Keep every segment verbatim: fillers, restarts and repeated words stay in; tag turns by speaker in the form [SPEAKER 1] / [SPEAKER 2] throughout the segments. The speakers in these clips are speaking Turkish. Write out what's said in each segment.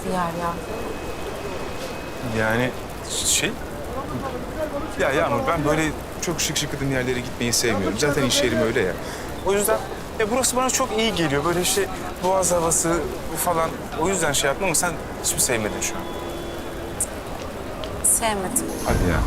[SPEAKER 1] bir yer ya.
[SPEAKER 2] Yani şey... Ya Yağmur ben böyle çok şık şıkıdın yerlere gitmeyi sevmiyorum. Zaten iş yerim öyle ya. O yüzden ya burası bana çok iyi geliyor. Böyle işte boğaz havası falan. O yüzden şey yaptım ama sen hiç mi sevmedin şu an?
[SPEAKER 1] Sevmedim.
[SPEAKER 2] Hadi ya.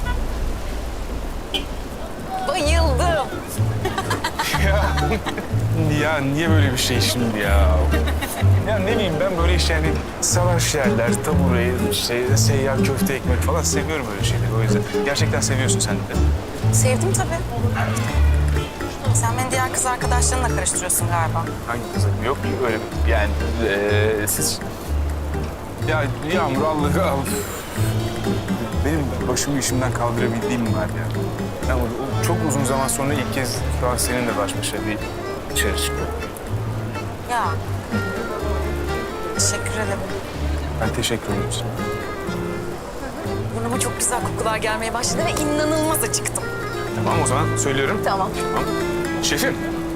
[SPEAKER 1] Bayıldım.
[SPEAKER 2] Ya, ya niye böyle bir şey şimdi ya? Ya ne bileyim ben böyle işte yani salaş yerler, tabureyi, işte seyyar köfte ekmek falan seviyorum böyle şeyleri. O yüzden gerçekten seviyorsun sen de.
[SPEAKER 1] Sevdim tabii. Sen beni diğer kız arkadaşlarınla karıştırıyorsun galiba.
[SPEAKER 2] Hangi kızım? Yok öyle yani ee, siz... Ya Yağmur Allah al. Benim başımı işimden kaldırabildiğim var ya. Ama o çok uzun zaman sonra ilk kez şu an seninle baş başa bir dışarı çıkıyorum.
[SPEAKER 1] Ya. Teşekkür ederim.
[SPEAKER 2] Ben teşekkür ederim sana.
[SPEAKER 1] Burnuma çok güzel kokular gelmeye başladı ve inanılmaz acıktım.
[SPEAKER 2] Tamam o zaman söylüyorum.
[SPEAKER 1] Tamam.
[SPEAKER 2] Tamam. Şefim.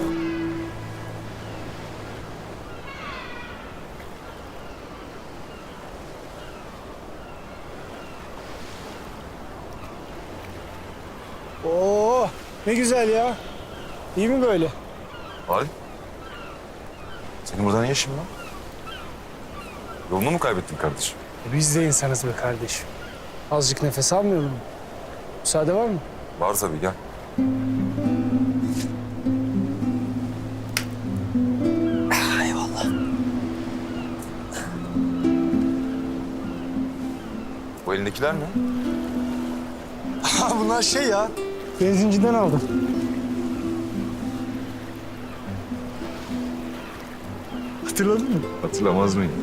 [SPEAKER 3] Oo, ne güzel ya. İyi mi böyle?
[SPEAKER 4] Halit. Senin burada ne işin var? Yolunu mu kaybettin kardeşim?
[SPEAKER 3] E biz de insanız be kardeşim. Azıcık nefes almıyor mu? Müsaade var mı?
[SPEAKER 4] Var tabii gel.
[SPEAKER 3] Eyvallah.
[SPEAKER 4] Bu elindekiler ne?
[SPEAKER 3] Ha, bunlar şey ya. Benzinciden aldım. Hatırladın mı?
[SPEAKER 4] Hatırlamaz mıyım?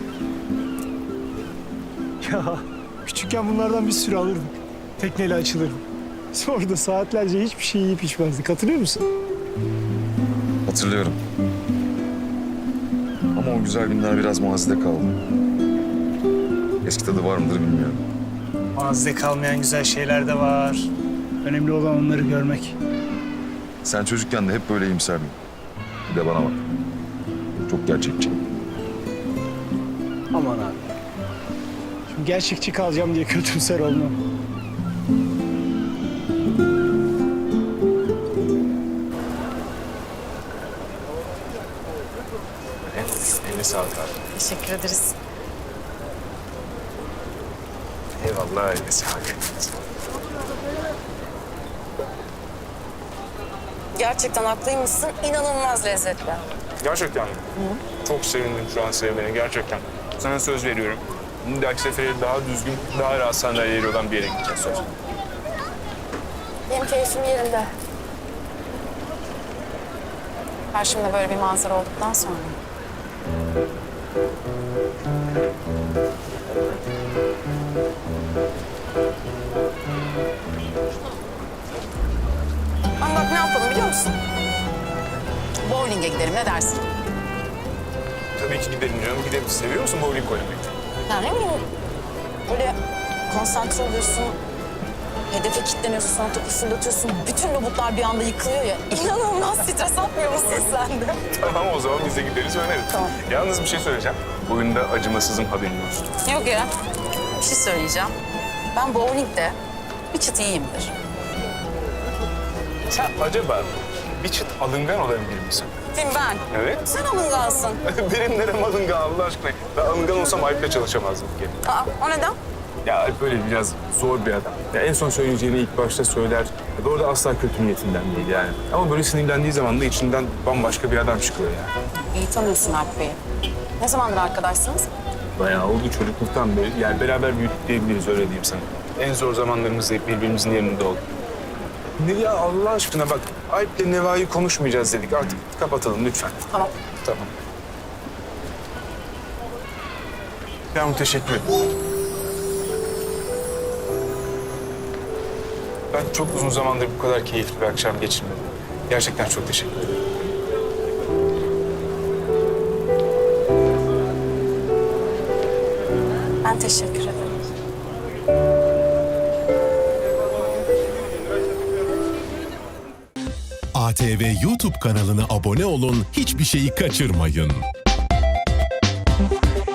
[SPEAKER 3] Ya küçükken bunlardan bir sürü alırdık. Tekneyle açılırdık. Sonra da saatlerce hiçbir şey yiyip içmezdik. Hatırlıyor musun?
[SPEAKER 4] Hatırlıyorum. Ama o güzel günler biraz mazide kaldı. Eski tadı var mıdır bilmiyorum.
[SPEAKER 3] Mazide kalmayan güzel şeyler de var. Önemli olan onları görmek.
[SPEAKER 4] Sen çocukken de hep böyle iyimserdin. Bir de bana bak. Çok gerçekçi.
[SPEAKER 3] Aman abi. Şimdi gerçekçi kalacağım diye kötümser olmam.
[SPEAKER 2] Eline sağlık abi.
[SPEAKER 1] Teşekkür ederiz.
[SPEAKER 2] Eyvallah eline sağlık.
[SPEAKER 1] Gerçekten haklıymışsın. İnanılmaz lezzetli.
[SPEAKER 2] Gerçekten mi? Çok sevindim şu an sevmeni gerçekten. Sana söz veriyorum. Bir dahaki sefere daha düzgün, daha rahat sandalyeleri olan bir yere gideceğiz söz.
[SPEAKER 1] Benim keyfim yerinde. Karşımda böyle bir manzara olduktan sonra. Ama bak ne yapalım biliyor musun? Bowling'e gidelim, ne dersin?
[SPEAKER 2] Tabii ki gidelim diyorum. Gidelim. Seviyor musun bowling oynamayı?
[SPEAKER 1] Ya ne bileyim, böyle konsantre oluyorsun, hedefe kilitleniyorsun, sonra topu fırlatıyorsun. Bütün robotlar bir anda yıkılıyor ya. İnanılmaz stres atmıyor musun sen de?
[SPEAKER 2] Tamam o zaman biz de gideriz oynarız.
[SPEAKER 1] Tamam.
[SPEAKER 2] Yalnız bir şey söyleyeceğim. Bu oyunda acımasızım haberin olsun.
[SPEAKER 1] Yok ya, bir şey söyleyeceğim. Ben bowling'de bir çıt iyiyimdir.
[SPEAKER 2] Sen acaba bir çıt alıngan olabilir misin?
[SPEAKER 1] Kim ben?
[SPEAKER 2] Evet.
[SPEAKER 1] Sen alıngansın.
[SPEAKER 2] Benim nerem alıngan Allah aşkına. Ben alıngan olsam Alp'le çalışamazdım bir kere.
[SPEAKER 1] Aa, o neden?
[SPEAKER 2] Ya Alp böyle biraz zor bir adam. Ya en son söyleyeceğini ilk başta söyler. Ya doğru da asla kötü niyetinden değil yani. Ama böyle sinirlendiği zaman da içinden bambaşka bir adam çıkıyor yani.
[SPEAKER 1] İyi tanıyorsun Alp Bey'i. Ne zamandır arkadaşsınız?
[SPEAKER 2] Bayağı oldu çocukluktan beri. Yani beraber büyüdük diyebiliriz öyle diyeyim sana. En zor zamanlarımızda hep birbirimizin yanında olduk. Ne ya Allah aşkına bak Alp'le Neva'yı konuşmayacağız dedik. Artık kapatalım lütfen.
[SPEAKER 1] Tamam.
[SPEAKER 2] Tamam. Yağmur teşekkür ederim. Ben çok uzun zamandır bu kadar keyifli bir akşam geçirmedim. Gerçekten çok teşekkür ederim.
[SPEAKER 1] Ben teşekkür ederim.
[SPEAKER 5] A T V YouTube kanalına abone olun, hiçbir şeyi kaçırmayın.